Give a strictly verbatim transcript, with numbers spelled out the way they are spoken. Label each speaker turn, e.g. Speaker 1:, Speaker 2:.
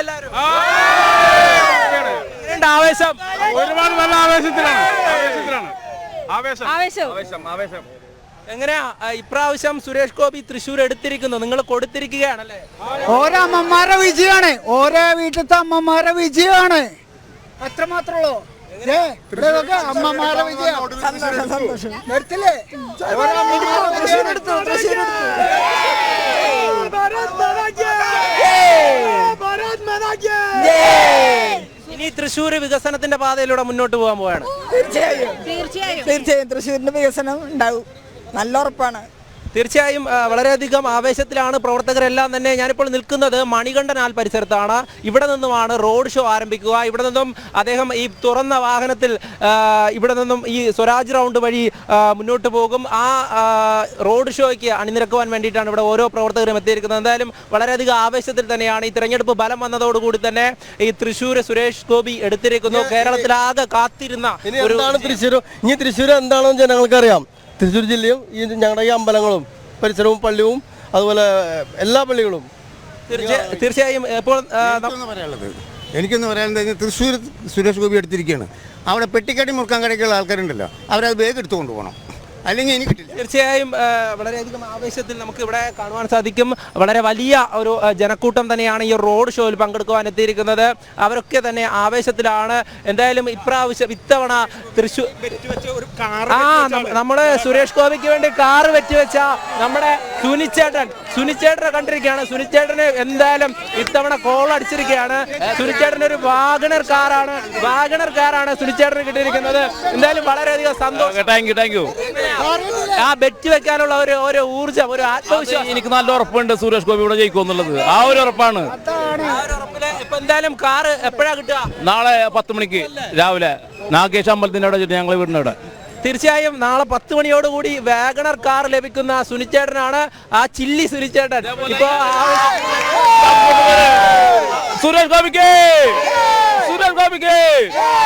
Speaker 1: എല്ലാവരും? ആവേശം
Speaker 2: ഒരുപാട് നല്ല ആവേശത്തിലാണ് ആവേശത്തിലാണ് ആവേശം
Speaker 1: ആവേശം ആവേശം എങ്ങനെയാ ഇപ്രാവശ്യം സുരേഷ് ഗോപി തൃശ്ശൂർ എടുത്തിരിക്കുന്നു, നിങ്ങൾ കൊടുത്തിരിക്കുകയാണല്ലേ?
Speaker 3: ഓരോ അമ്മമാരുടെ വിജയമാണ്, ഓരോ വീട്ടിലത്തെ അമ്മമാരുടെ വിജയമാണ്. അത്ര മാത്രമല്ലോ അമ്മമാരുടെ വിജയം. എടുത്തില്ലേ?
Speaker 1: ഇനി തൃശ്ശൂർ വികസനത്തിന്റെ പാതയിലൂടെ മുന്നോട്ട് പോകാൻ പോവാണ്.
Speaker 3: തീർച്ചയായും തീർച്ചയായും തീർച്ചയായും തൃശ്ശൂരിന്റെ വികസനം ഉണ്ടാവും, നല്ല ഉറപ്പാണ്.
Speaker 1: തീർച്ചയായും വളരെയധികം ആവേശത്തിലാണ് പ്രവർത്തകരെല്ലാം തന്നെ. ഞാനിപ്പോൾ നിൽക്കുന്നത് മണികണ്ഠനാൽ പരിസരത്താണ്. ഇവിടെ നിന്നുമാണ് റോഡ് ഷോ ആരംഭിക്കുക. ഇവിടെ നിന്നും അദ്ദേഹം ഈ തുറന്ന വാഹനത്തിൽ ഇവിടെ നിന്നും ഈ സ്വരാജ് റൗണ്ട് വഴി മുന്നോട്ട് പോകും. ആ റോഡ് ഷോയ്ക്ക് അണിനിരക്കുവാൻ വേണ്ടിയിട്ടാണ് ഇവിടെ ഓരോ പ്രവർത്തകരും എത്തിയിരിക്കുന്നത്. എന്തായാലും വളരെയധികം ആവേശത്തിൽ തന്നെയാണ്. ഈ തെരഞ്ഞെടുപ്പ് ഫലം വന്നതോടുകൂടി തന്നെ ഈ തൃശ്ശൂർ സുരേഷ് ഗോപി എടുത്തിരിക്കുന്നു. കേരളത്തിലാകെ കാത്തിരുന്ന ഒരു
Speaker 4: തൃശ്ശൂർ ഇനി തൃശ്ശൂർ എന്താണെന്ന് ജനങ്ങൾക്കറിയാം. തൃശ്ശൂർ ജില്ലയും ഈ ഞങ്ങളുടെ ഈ അമ്പലങ്ങളും പരിസരവും പള്ളിയും അതുപോലെ എല്ലാ പള്ളികളും
Speaker 1: തീർച്ചയായും ഇപ്പോൾ
Speaker 5: പറയാനുള്ളത് എനിക്കൊന്ന് പറയാനുള്ളത് തൃശ്ശൂർ സുരേഷ് ഗോപി എടുത്തിരിക്കുകയാണ്. അവിടെ പെട്ടിക്കടി മുറുക്കാൻ കടയ്ക്കുള്ള ആൾക്കാരുണ്ടല്ലോ, അവരത് വേഗം എടുത്തു കൊണ്ടുപോകണം, അല്ലെങ്കിൽ എനിക്ക് കിട്ടില്ല.
Speaker 1: തീർച്ചയായും വളരെയധികം ആവേശത്തിൽ നമുക്ക് ഇവിടെ കാണുവാൻ സാധിക്കും. വളരെ വലിയ ഒരു ജനക്കൂട്ടം തന്നെയാണ് ഈ റോഡ് ഷോയിൽ പങ്കെടുക്കുവാൻ എത്തിയിരിക്കുന്നത്. അവരൊക്കെ തന്നെ ആവേശത്തിലാണ്. എന്തായാലും ഇപ്രാവശ്യം ഇത്തവണ തൃശ്ശൂർ ആ നമ്മുടെ സുരേഷ് ഗോപിക്ക് വേണ്ടി കാറ് വെച്ചുവെച്ച നമ്മുടെ സുനിച്ചേട്ടൻ സുനിച്ചേട്ടനെ കണ്ടിരിക്കുകയാണ്. സുനിച്ചേട്ടന് എന്തായാലും ഇത്തവണ കോൾ അടിച്ചിരിക്കുകയാണ്. സുനിച്ചേട്ടൻ ഒരു വാഗണർ കാറാണ് വാഗണർ കാറാണ് സുനിച്ചേട്ടന് കിട്ടിയിരിക്കുന്നത്. എന്തായാലും വളരെയധികം സന്തോഷം.
Speaker 2: താങ്ക് യു താങ്ക് യു
Speaker 1: ആ ബെറ്റ് വെക്കാനുള്ള ഒരു ഒരു ഊർജ്ജം, ഒരു ആത്മവിശ്വാസം
Speaker 2: എനിക്ക് നല്ല ഉറപ്പുണ്ട് സുരേഷ് ഗോപി ഇവിടെ ജയിക്കും എന്നുള്ളത്. ആ ഒരു ഉറപ്പാണ്.
Speaker 1: ഇപ്പൊ എന്തായാലും കാറ് എപ്പോഴാ കിട്ടുക?
Speaker 2: നാളെ പത്ത് മണിക്ക് രാവിലെ നാഗേഷ് അമ്പലത്തിന്റെ അവിടെ ഞങ്ങൾ വീടിന്റെ അവിടെ.
Speaker 1: തീർച്ചയായും നാളെ പത്ത് മണിയോടുകൂടി വാഗണർ കാർ ലഭിക്കുന്ന സുനിച്ചേട്ടനാണ് ആ ചില്ലി സുനിച്ചേട്ടൻ. ഇപ്പൊ
Speaker 2: സുരേഷ് ഗോപിക്ക് സുരേഷ് ഗോപിക്ക്